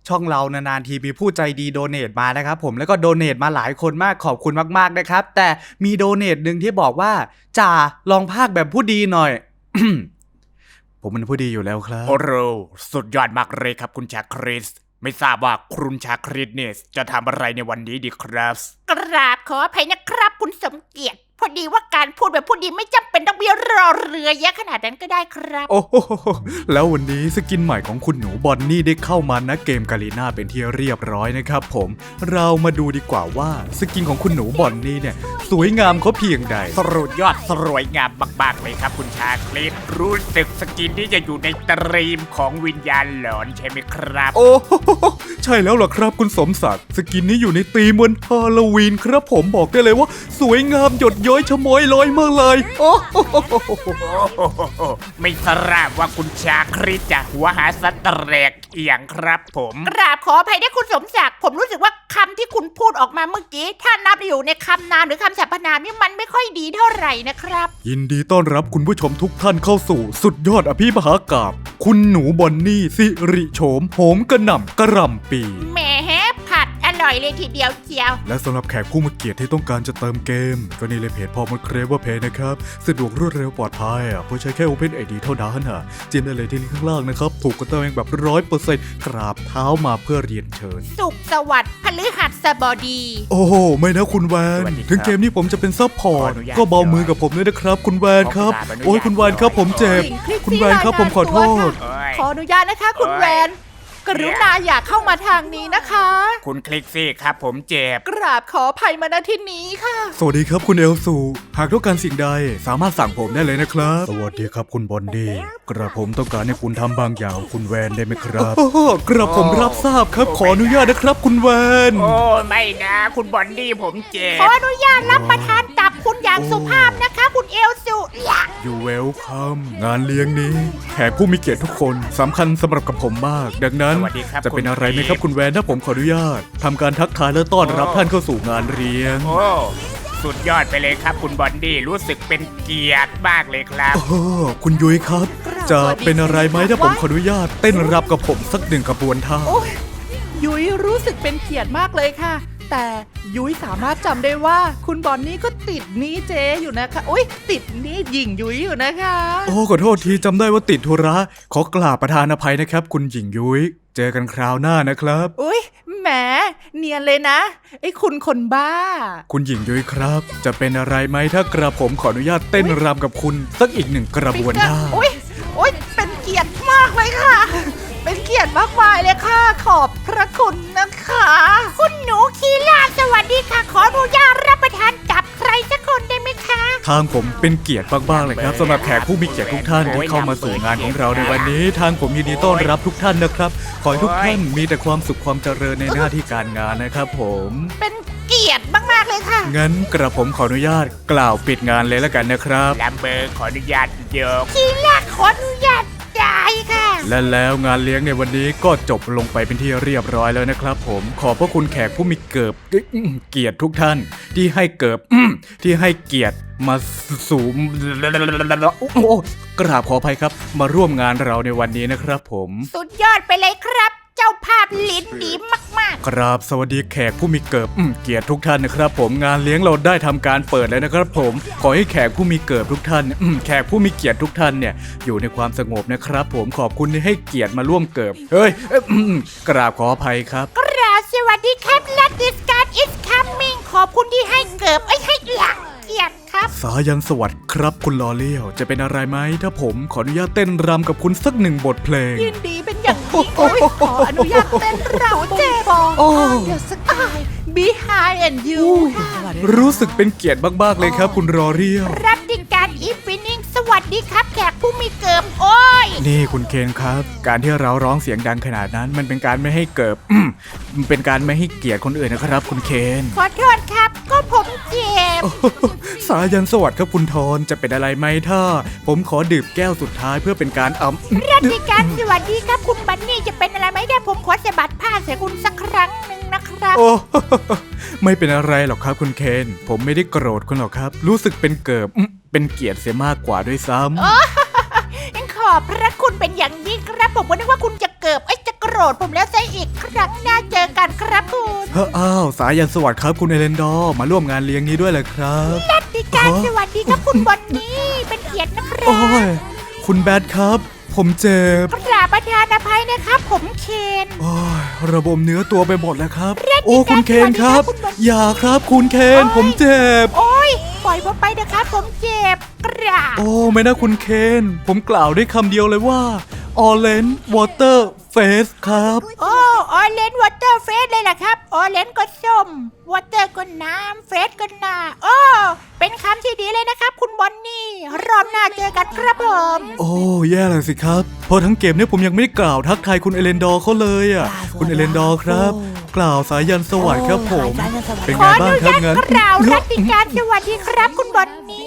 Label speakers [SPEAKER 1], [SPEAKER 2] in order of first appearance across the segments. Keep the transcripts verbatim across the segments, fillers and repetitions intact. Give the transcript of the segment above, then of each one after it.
[SPEAKER 1] ช่องเรานานๆทีมีผู้ใจดีโดเนทมานะครับผมแล้วก็โดเนทมาหลายคนมากขอบคุณมากๆนะครับแต่มีโดเนทหนึ่งที่บอกว่าจ่าลองพากแบบผู้ดีหน่อย ผมเป็นผู้ดีอยู่แล้วครับ
[SPEAKER 2] โอ้โหสุดยอดมากเลยครับคุณชาคริสไม่ทราบว่าคุณชาคริสเนี่ยจะทำอะไรในวันนี้ดีครับ
[SPEAKER 3] กราบขออภัยนะครับคุณสมเกียรติพอดีว่าการพูดแบบพูดดีไม่จำเป็นต้องมีรอเรือเยอะขนาดนั้นก็ได้ครับ
[SPEAKER 1] โอ้โหแล้ววันนี้สกินใหม่ของคุณหนูบอนนี่ได้เข้ามานะเกมกาลีน่าเป็นที่เรียบร้อยนะครับผมเรามาดูดีกว่าว่าสกินของคุณหนูบอนนี่เนี่ยสวยงามเขาเพียงใด
[SPEAKER 2] สุดยอดสวยงามมากๆเลยครับคุณชาคริสรู้สึกสกินที่จะอยู่ในตรีมของวิญญาณหลอนใช่ไหมครับ
[SPEAKER 1] โอ้โหใช่แล้วล่ะครับคุณสมศักดิ์สกินนี้อยู่ในธีมวันฮาโลวีนครับผมบอกได้เลยว่าสวยงามหยดย้อยชะม้อยลอยมากเลยโอ้โห
[SPEAKER 2] โอ้โหไม่ทราบว่าคุณชาคริสจะหัวหาสัตว์แตกเอียงครับผม
[SPEAKER 3] กราบขออภัยด้วยคุณสมศักดิ์ผมรู้สึกว่าคำที่คุณพูดออกมาเมื่อกี้ถ้านับอยู่ในคำนามหรือคำสรรพนามนี่มันไม่ค่อยดีเท่าไหร่นะครับ
[SPEAKER 1] ยินดีต้อนรับคุณผู้ชมทุกท่านเข้าสู่สุดยอดอภิมหากาพย์คุณหนูบอนนี่สิริโฉมโหมกระหน่ำกระหล่ำปี
[SPEAKER 3] แหมผัดอร่อยเลยทีเดียวเจียว
[SPEAKER 1] และสำหรับแขกผู้มาเกียรติที่ต้องการจะเติมเกม ก็นี่เลยเพจพอมดเครเวอร์เพย์นะครับสะดวกรวดเร็วปลอดภัยอ่ะเพราะใช้แค่ Open ไอ ดี เท่านั้นอ่ะจิ้มได้เลยที่ลิงก์ข้างล่างนะครับถูกกดเติมเองแบบร้อยเปอร์เซ็นต์กราบเท้ามาเพื่อเรียนเชิญ
[SPEAKER 3] สุขสวัสดิ์พฤหัสบดี
[SPEAKER 1] โอ้โหไม่นะคุณแวนถึงเกมนี้ผมจะเป็นซัพพอร์ตก็เบามือกับผมด้วยนะครับคุณแวนครับโอ้ยคุณแวนครับผมเจ็บคุณแวนครับผมขอโทษ
[SPEAKER 2] เอ้ย
[SPEAKER 4] ขออนุญาตนะคะคุณแวน กรุณาอย่าเข้ามาทางนี้นะคะ
[SPEAKER 2] คุณคลิกซี่ครับผมเจ็บ
[SPEAKER 4] กราบขออภัยมาณที่นี้ค่ะ
[SPEAKER 1] สวัสดีครับคุณเอลซูหากต้องการสิ่งใดสามารถสั่งผมได้เลยนะครับ สวัสดีครับคุณบอนดี้กระผมต้องการให้คุณทำบางอย่างคุณแวนได้ไหมครับกระผมรับทราบครับขออนุญาตนะครับคุณแวน
[SPEAKER 2] โอ้ไม่นะคุณบอนดี้ผมเจ็
[SPEAKER 3] ขอบ อนุญาตรับประทานตับคุณอย่างสุภาพนะคะคุณเอลสุอยาก
[SPEAKER 1] อยู่เวลคัมงานเลี้ยงนี้แขกผู้มีเกียรติทุกคนสำคัญสำหรับกับผมมาก ดังนั้น
[SPEAKER 2] สวัสดีครับ
[SPEAKER 1] จะเป็นอะไรไหมครับ
[SPEAKER 2] ณ
[SPEAKER 1] คุณแวนถ้าผมขออนุญาตทำการทักทายและต้อนรับท่านเข้าสู่งานเลี้ยง
[SPEAKER 2] โอ้สุดยอดไปเลยครับคุณบอนดี้รู้สึกเป็นเกียรติมากเลยครับ
[SPEAKER 1] โอ้คุณยุ้ยครับ จะเป็นอะไรไหมถ้าผมขออนุญาตเต้นรับกับผมสักหนึ่งขบวนท่า
[SPEAKER 4] โอ้ยยุ้ยรู้สึกเป็นเกียรติมากเลยค่ะ แต่ยุ้ยสามารถจำได้ว่าคุณบอนนี่ก็ติดหนี้เจอยู่นะคะอุ้ยติดหนี้หญิงยุ้ยอยู่นะคะ
[SPEAKER 1] โอ้ขอโทษทีจำได้ว่าติดธุระขอกราบประธานอภัยนะครับ คุณหญิงยุ้ยเจอกันคราวหน้านะครับ
[SPEAKER 4] อุ้ยแหมเนียนเลยนะไอ้คุณคนบ้า
[SPEAKER 1] คุณหญิงยุ้ยครับ จะเป็นอะไรไหมถ้ากระผมขออนุญาตเต้นรำกับคุณสักอีกหนึ่งกระบวนท่า
[SPEAKER 4] อุ้ยอุ้ยเป็นเกียรติมากเลยค่ะ เป็นเกียรติมากมายเลยค่ะ ขอบพระคุณนะคะ
[SPEAKER 3] คุณหนูคีล่าสวัสดีค่ะ ขออนุญาตรับประทานตับใครสักคนได้ไหมคะ
[SPEAKER 1] ทางผมเป็นเกียรติมากๆเลยครับสำหรับแขกผู้มีเกียรติทุกท่านที่เข้ามาสู่งานของเราในวันนี้ ทางผมยินดีต้อนรับทุกท่านนะครับ ขอให้ทุกท่านมีแต่ความสุขความเจริญในหน้าที่การงานนะครับผม
[SPEAKER 3] เป็นเกียรติมากๆเลยค่ะ
[SPEAKER 1] งั้นกระผมขออนุญาตกล่าวปิดงานเลยแล้วกันนะครับ
[SPEAKER 2] ลัมเบอร์ขออนุญาตยก
[SPEAKER 3] คีล่าขออนุญาตได้ค่ะ
[SPEAKER 1] และแล้วงานเลี้ยงในวันนี้ก็จบลงไปเป็นที่เรียบร้อยแล้วนะครับผมขอบพระคุณแขกผู้มีเกิบเกียรติทุกท่าน ที่ให้เกิบที่ให้เกียรติมาสู่โอ้โหกราบขออภัยครับ มาร่วมงานเราในวันนี้นะครับผม
[SPEAKER 3] สุดยอดไปเลยครับ เจ้าภาพลิ้นดีมาก
[SPEAKER 1] กราบสวัสดีแขกผู้มีเกิบเกียรติทุกท่านนะครับ ผมงานเลี้ยงเราได้ทำการเปิดแล้วนะครับ ผมขอให้แขกผู้มีเกิบทุกท่านอืมแขกผู้มีเกียรติทุกท่านเนี่ยอยู่ในความสงบนะครับ ผมขอบคุณที่ให้เกียรติมาร่วมเกิบเฮ้ยเอ้ยอืมกราบขออภัยครับ
[SPEAKER 3] ๆ กราบสวัสดีครับ Let this God is coming ขอบคุณที่ให้เกิบไอ้ยให้หลักเกียรติครับ
[SPEAKER 1] สายันสวัสดิ์ครับคุณลอเลี้ยวจะเป็นอะไรไหมถ้าผมขออนุญาตเต้นรำกับคุณสักหนึ่งบทเพลง
[SPEAKER 4] ยินดีเป็นอย่างยิ่งโอ้ยขออนุญาตเต้นรำเจบอง
[SPEAKER 1] โอ้
[SPEAKER 4] เดี๋ยวสักอาย behind and you ค่ะ
[SPEAKER 1] รู้สึกเป็นเกียรติมากๆเลยครับ คุณรอเรียว
[SPEAKER 3] รับดิการอีฟินิ่งสวัสดีครับแขกผู้มีเกิบโอ้ย
[SPEAKER 1] นี่คุณเคนครับ การที่เราร้องเสียงดังขนาดนั้น มันเป็นการไม่ให้เกิดอืมมันเป็นการไม่ให้เกียรติคนอื่นนะครับ คุณเคน
[SPEAKER 3] ขอโทษครับ ก็ผมเจ็บ
[SPEAKER 1] สายันสวัสดิ์ครับคุณทอนจะเป็นอะไรไหมถ้า ผมขอดื่มแก้วสุดท้ายเพื่อเป็นการอำ
[SPEAKER 3] รับดิการสวัสดีครับคุณบันนี่จะเป็นอะไรไหมได้ผมขอสะบัดผ้าใส่คุณสักครั้งหนึ่งนะครับ
[SPEAKER 1] โอ้ ไม่เป็นอะไรหรอกครับคุณเคน ผมไม่ได้โกรธคุณหรอกครับ รู้สึกเป็นเกิบอืมเป็นเกียรติเสียมากกว่าด้วยซ้ำ
[SPEAKER 3] ขอบพระคุณเป็นอย่างยิ่งครับผมก็นึกว่าคุณจะเกิบไอ้ยจะโกรธผมแล้วซะอีกครั้งหน้าเจอกันครับคุณ
[SPEAKER 1] เฮ้ออ้าวสายันสวัสดิ์ครับคุณเอเลนดอร์มาร่วมงานเลี้ยงนี้ด้วยเลยครับ
[SPEAKER 3] สวัสดีการสวัสดีครับคุณบอนนี่เป็นเกียรตินะครั
[SPEAKER 1] โอ้
[SPEAKER 3] บ
[SPEAKER 1] ยคุณแบทครับ ผมเจ็บ
[SPEAKER 3] กราบประธานอภัยนะครับ ผมเคน
[SPEAKER 1] โอ้ยระบมเนื้อตัวไปหมดแล้วครับ
[SPEAKER 3] เรียก
[SPEAKER 1] โอ้คุณเคนครับ
[SPEAKER 3] สวัสดีครับคุณบอล
[SPEAKER 1] อย่าครับคุณเคน
[SPEAKER 3] โอ้ย
[SPEAKER 1] ผมเจ็บ
[SPEAKER 3] โอ้ยปล่อยผมไปนะครับผมเจ็บกราบ
[SPEAKER 1] โอ้ไม่นะคุณเคน ผมกล่าวได้คำเดียวเลยว่า Orange Water Face ครับ
[SPEAKER 3] โอ้ออเรนวอเตอร์เฟสเลยล่ะครับออเรนก็ส้มวอเตอร์ก็น้ำเฟสก็หนาโอ้เป็นคำที่ดีเลยนะครับ คุณบอนนี่รอบหน้าเจอกันครับผม
[SPEAKER 1] โอ้แย่เลยสิครับเพราะทั้งเกมเนี่ยผมยังไม่ได้กล่าวทักทายคุณเอเลนดอร์เขาเลยอ่ะคุณเอเลนดอร์ครับ กล่าวสายันสวัสดิ์ครับผม เป็น
[SPEAKER 3] ข
[SPEAKER 1] ไง
[SPEAKER 3] ออ
[SPEAKER 1] บ้าง
[SPEAKER 3] นุ
[SPEAKER 1] ครับ
[SPEAKER 3] ญาต
[SPEAKER 1] งั้น
[SPEAKER 3] กล่าวรัติการสวัสดีครับคุณบอนนี่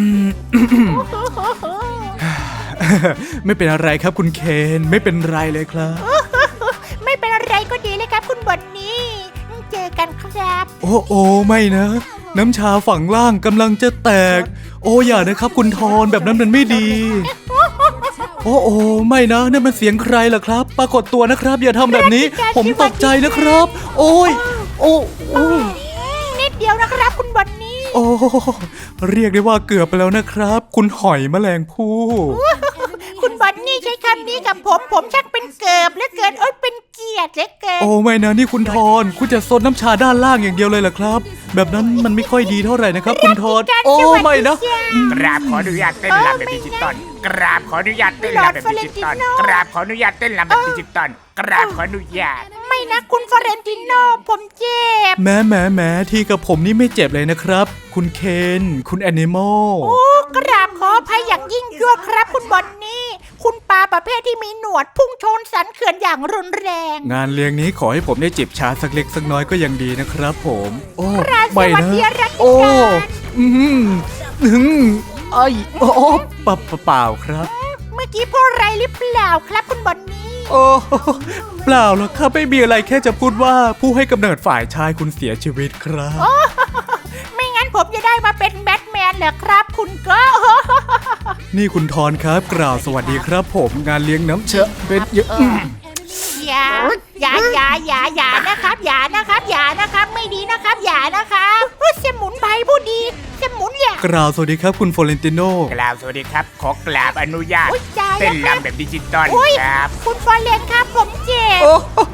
[SPEAKER 1] ไม่เป็นอะไรครับคุณเคนไม่เป็นไรเลยครับ
[SPEAKER 3] ไม่เป็นอะไรก็ดีเลยครับคุณบอนนี่เจอกันครับ
[SPEAKER 1] โอ้โอ้ไม่นะ น้ำชาฝั่งล่างกำลังจะแตก โอ้อย่านะครับคุณทอนแบบนั้นมันไม่ดี โอ้โอ้ไม่นะนั่นมันเสียงใครล่ะครับ ปรากฏตัวนะครับ อย่าทำแบบนี้ ผมตกใจนะครับ โอ้ยโอ้โอ้
[SPEAKER 3] นิดเดียวนะครับคุณบอนนี่
[SPEAKER 1] โอ้เรียกได้ว่าเกือบไปแล้วนะครับ คุณหอยแมลงภู่
[SPEAKER 3] คุณบอนนี่ใช้คำนี้กับผมผมชักเป็นเกิบเหลือเกินโอ้ยเป็นเกียรติเหลือเกิน
[SPEAKER 1] โอ้ไม่นะนี่คุณทอนคุณจะซดน้ำชาด้านล่างอย่างเดียวเลยเหรอครับ แบบนั้นมันไม่ค่อยดีเท่าไหร่นะครับ คุณทอนโอ้ไม่นะ
[SPEAKER 2] กราบขออนุญาตเต้นรำแบบดิจิตอลกราบขออนุญาตเต้นรำแบบดิจิตอลกราบขออนุญาตเต้นรำแบบดิจิตอลกราบขออนุญาต
[SPEAKER 3] ไม่นะคุณฟอเรนติโนผมเจ็บ
[SPEAKER 1] แม้แม้แม้ที่กับผมนี่ไม่เจ็บเลยนะครับ คุณเคนคุณแอนิมอล
[SPEAKER 3] โอ้กราบขออภัยอย่างยิ่งยวดครับคุณบอนนี่ คุณปลาประเภทที่มีหนวดพุ่งชนสันเขื่อนอย่างรุนแรง
[SPEAKER 1] งานเลี้ยงนี้ขอให้ผมได้จิบชาสักเล็กสักน้อยก็ยังดีนะครับผม โอ้
[SPEAKER 3] ราส
[SPEAKER 1] ไม่
[SPEAKER 3] วัส
[SPEAKER 1] นะ
[SPEAKER 3] ดีรัติ
[SPEAKER 1] โอ้
[SPEAKER 3] การ
[SPEAKER 1] อืมอืมไอ้โอ้ปะปะเปล่าครับ
[SPEAKER 3] เมื่อกี้พูดอะไรหรือเปล่าครับคุณบอนนี่
[SPEAKER 1] โอ้เปล่าหรอกครับไม่มีอะไรแค่จะพูดว่าผู้ให้กำเนิดฝ่ายชายคุณเสียชีวิตครับ
[SPEAKER 3] ไม่งั้นผมจะได้มาเป็นแบทแมนเหรอครับ คุณก็
[SPEAKER 1] นี่คุณทอนครับกล่าวสวัสดีครับ ผมงานเลี้ยงน้ำเชอะเป็นเยอะ
[SPEAKER 3] อย่าอย่าอย่าอย่าอย่านะครับ อย่านะครับ อย่านะครับ ไม่ดีนะครับ อย่านะครับเฮ้ยสมุนไพรผู้ดีสมุนอย่าก
[SPEAKER 1] ล่าวสวัสดีครับคุณฟลอเรนติโน
[SPEAKER 2] กราบสวัสดีครับ ขอกราบอนุญาต
[SPEAKER 3] โอ้ยจ่าย
[SPEAKER 2] เต้น
[SPEAKER 3] นะครับ
[SPEAKER 2] รำแบบดิจิตอล
[SPEAKER 3] โอ้ย
[SPEAKER 2] ครับ
[SPEAKER 3] คุณฟอเรนครับ ผมเจ็บ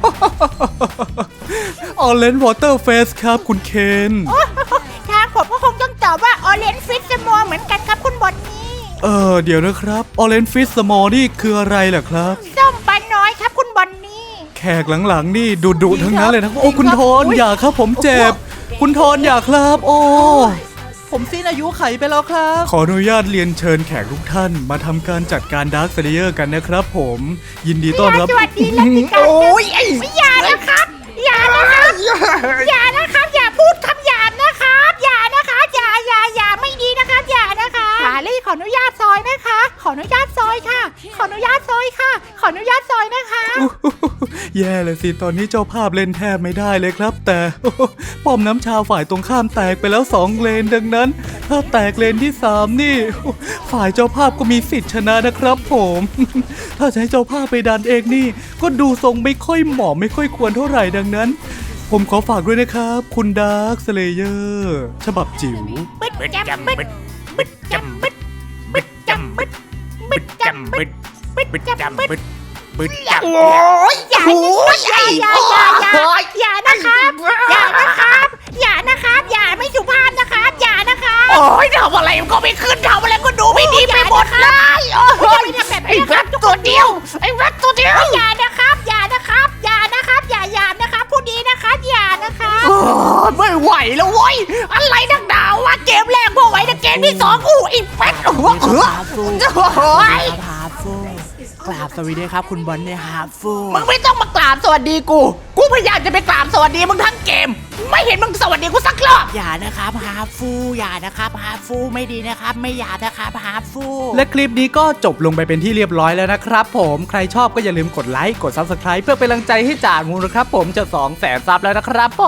[SPEAKER 1] ออเรนจ์วอเตอร์เฟสครับคุณเคน
[SPEAKER 3] ทางผมก็คงต้องตอบว่าออเรนฟิตสมอเหมือนกันครับคุณบอนนี่
[SPEAKER 1] เออเดี๋ยวนะครับออเรนจ์ฟิสสมอลนี่คืออะไรล่ะครับ
[SPEAKER 3] ส้มปลาน้อยครับคุณบอนนี่
[SPEAKER 1] แขกหลังๆนี่ดุดุๆทั้งนั้นเลยนะโอ้คุณทอนอย่าครับผมเจ็บ คุณทอนอย่าครับ โอ้
[SPEAKER 4] ผมสิ้นอายุไขไปแล้วครับ
[SPEAKER 1] ขออนุญาตเรียนเชิญแขกทุกท่านมาทำการจัดการดาร์คเซเลเยอร์กันนะครับผม ยินดีต้อนรับ
[SPEAKER 3] สวัสดีรัติการ
[SPEAKER 2] โอ้ยไอ้
[SPEAKER 3] อย่านะครับ อย่านะครับ อย่านะครับ อย่าพูดคำหยาบนะครับ อย่านะคะอย่าอย่าอย่าไม่ดีนะครับ อย่านะคะหาลี่ขออนุญาตซอยนะคะ ขออนุญาตซอยค่ะ ขออนุญาตซอยค่ะ ขออนุญาตซอยนะคะ
[SPEAKER 1] แย่เลยสิตอนนี้เจ้าภาพเล่นแทบไม่ได้เลยครับ แต่ ป้อมน้ำชาฝ่ายตรงข้ามแตกไปแล้วสองเลนดังนั้น ถ้าแตกเลนที่สามนี่ ฝ่ายเจ้าภาพก็มีสิทธิ์ชนะนะครับผม ถ้าจะให้เจ้าภาพไปดันเองนี่ ก็ดูทรงไม่ค่อยเหมาะไม่ค่อยควรเท่าไหร่ดังนั้น ผมขอฝากด้วยนะครับ คุณดาร์คสเลเยอร์ฉบับจิ๋ว
[SPEAKER 3] บึด
[SPEAKER 2] บึด
[SPEAKER 3] จำ
[SPEAKER 2] จำ
[SPEAKER 3] บึ
[SPEAKER 2] บึ
[SPEAKER 3] ด
[SPEAKER 2] ดบึดจำบึดบึดจำบึดบึดจำบึดบึดจำบึดบึดจำ
[SPEAKER 3] โอ้ยอย่าอย่าอย่าอย่าอย่าอย่านะครับ อย่านะครับ อย่านะครับ อย่าไม่สุภาพนะครับ อย่านะครับ
[SPEAKER 2] โอ้ยทำอะไรมันก็ไม่ขึ้นทำอะไรก็ดูไม่ดีไปหมดเลยโอ้ย
[SPEAKER 3] ทำแบบ
[SPEAKER 2] ไอ้
[SPEAKER 3] นี้
[SPEAKER 2] แรดตัวเดียวไอ้แรดตัวเดียว
[SPEAKER 3] อย่านะครับ อย่านะครับ อย่านะครับ อย่าหยาบนะครับผู้ดีนะครับ อย่านะครับ
[SPEAKER 2] โอ้ยไม่ไหวแล้วเว้ยอะไรนักหนาวะเกมแรกพอไหวแต่เกมที่สองอู้อีแฟตหัวเอือโอ้ย
[SPEAKER 4] ฮาฟูกราบสวัสดีครับคุณบอลเนี่ยฮาฟู
[SPEAKER 2] มึงไม่ต้องมากราบสวัสดีกู กูพยายามจะไปกราบสวัสดีมึงทั้งเกม ไม่เห็นมึงสวัสดีกูสักรอบ
[SPEAKER 4] อย่านะครับฮาฟูอย่านะครับฮาฟูไม่ดีนะครับ ไม่อย่านะครับฮาฟู
[SPEAKER 1] และคลิปนี้ก็จบลงไปเป็นที่เรียบร้อยแล้วนะครับผมใครชอบก็อย่าลืมกดไลค์กด ซับสไครบ์ เพื่อเป็นกำลังใจให้จ่างูนะครับผมจะสองแสนซับแล้วนะครับผม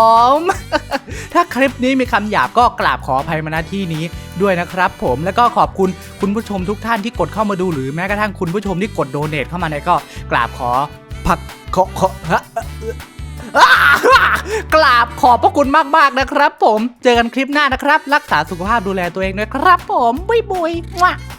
[SPEAKER 1] ถ้าคลิปนี้มีคำหยาบก็กราบขออภัยมาณที่นี้ด้วยนะครับผมแล้วก็ขอบคุณคุณผู้ชมทุกท่านที่กดเข้ามาดูหรือแม้กระทั่งคุณผู้ชมที่กดโดเนทเข้ามาเนี่ยก็กราบขอผักขอขอฮะ
[SPEAKER 4] กราบขอบพระคุณมากๆนะครับผม เจอกันคลิปหน้านะครับ รักษาสุขภาพดูแลตัวเองด้วยครับผม บุยบุยว่ะ